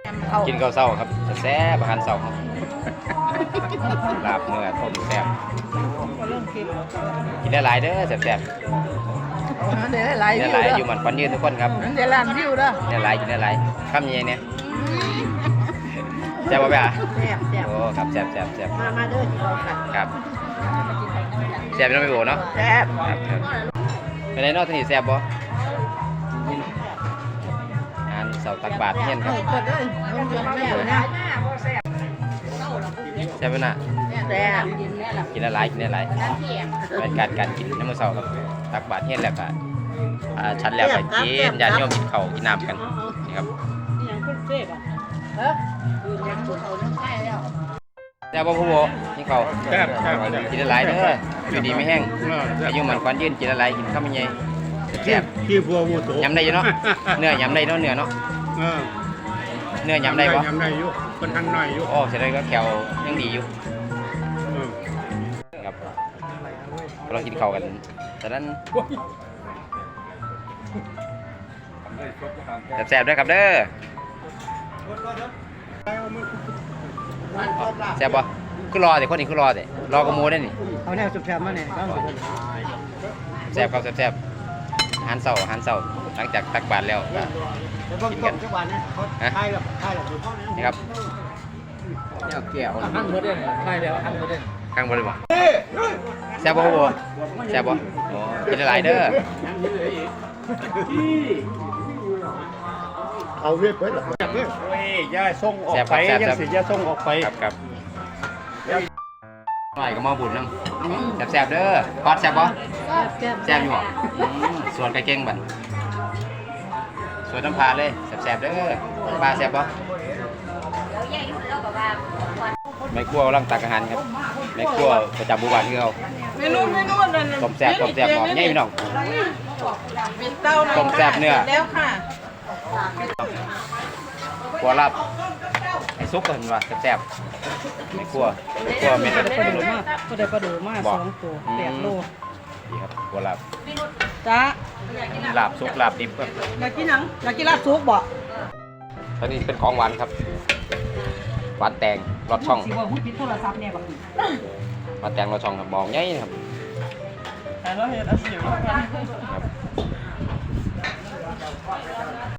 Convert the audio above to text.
กินข้าวเช้าครับแซ่บอาหารเช้าครับลาบเนื้อต้มแซ่บกินได้หลายเด้อแซ่บเดี๋ยวหลายๆวิได้วหลายเด้ออยู่มันควันยืนทุกคนครับเดี๋ยวล้านวิวเด้อได้หลายกินได้หลายคำยังไงเนี่ยแซ่บป่ะพี่อ่ะแซ่บแซ่บโอ้ครับแซ่บแซ่บมาเด้อที่เราค่ะครับแซ่บไม่ต้องไปโบเนาะแซ่บครับเป็นไงเนาะที่นี่แซ่บบ่งานเสาตักบาตรเฮียนครับกดเลยมันจะแม่นะแซ่บไหมน่ะแซ่บกินได้หลายกินได้หลายเป็นการกินน้ำมันเสาครับตักบาตรเฮียนแล้วก็ชั้นแล้วก็กินญาติโยมกินข้าวกินน้ำกันนี่ครับเออยังปวดเขาทั้งใต้แล้วแซ่บบ่ผู้โบนี่ข้าวแซ่บกินได้หลายเด้ออยู่ดีไม่แห้งอายุมันควันยืนกินได้หลายกินข้าวมันใหญ่แซ่บขี้บัวมูโตยำได้อยู่เนาะเนื้อยำได้เนาะเนื้อเนาะเออเนื้อยำได้ปะยำได้อยู่คนทันหน่อยอยู่โอ้เสร็จแล้วก็แขวยังดีอยู่เออครับเรากินข้าวกันตอนนั้นแซ่บๆด้วยครับเด้อแซ่บปะคือรอแต่คนนี้คือรอแต่รอกระมูได้นี่เอาแนวจุดแซ่บมาเนี่ยบ้างแซ่บครับแซ่บๆอาหารเช้าหลังจากตักบาตรแล้วก็แล้วก็ต้มทุกวันนะเขาใช่หรอนี่ครับเนี่ยแก้วหั่นหมดเลยใช่แล้วหั่นหมดเลยข้างบนเลยบ่แซ่บบ่บ่แซ่บบ่โอ้กินหลายๆเด้อเอาเวียดไปหรอจับเนี่ยโอ้ยย่าส่งออกไปยังสิย่าส่งออกไปครับหน่อยก็มาบุญนำแซ่บๆเด้อพอดแซ่บบ่แซ่บอยู่บ่ส่วนไก่เก่งบัดส่วนน้ำปลาเลยแซ่บๆเด้อปลาแซ่บบ่แม่ครัวกำลังตักอาหารครับแม่ครัวประจำหมู่บ้านคือเขาเมนูนั่นต้มแซ่บหอมใหญ่พี่น้องเป็นเต้าต้มแซ่บเนื้อแล้วค่ะครัวลาบไอ้ซุปก็เห็นว่าแซ่บๆแม่ครัวเม็ดปลาดูมากก็ได้ปลาดูมาก2 ตัว8 โลดีครับครัวลาบจ้าลาบซุปลาบดิบครับอยากกินหนังอยากกินลาบซุกบ่ตอนนี้เป็นของหวานครับหวานแตงรสช่องสิว่าหุ้นพิษโทรศัพท์เนี่ยบักหวานแตงรสช่องครับมองใหญ่ครับแต่เราเห็นอาชีพ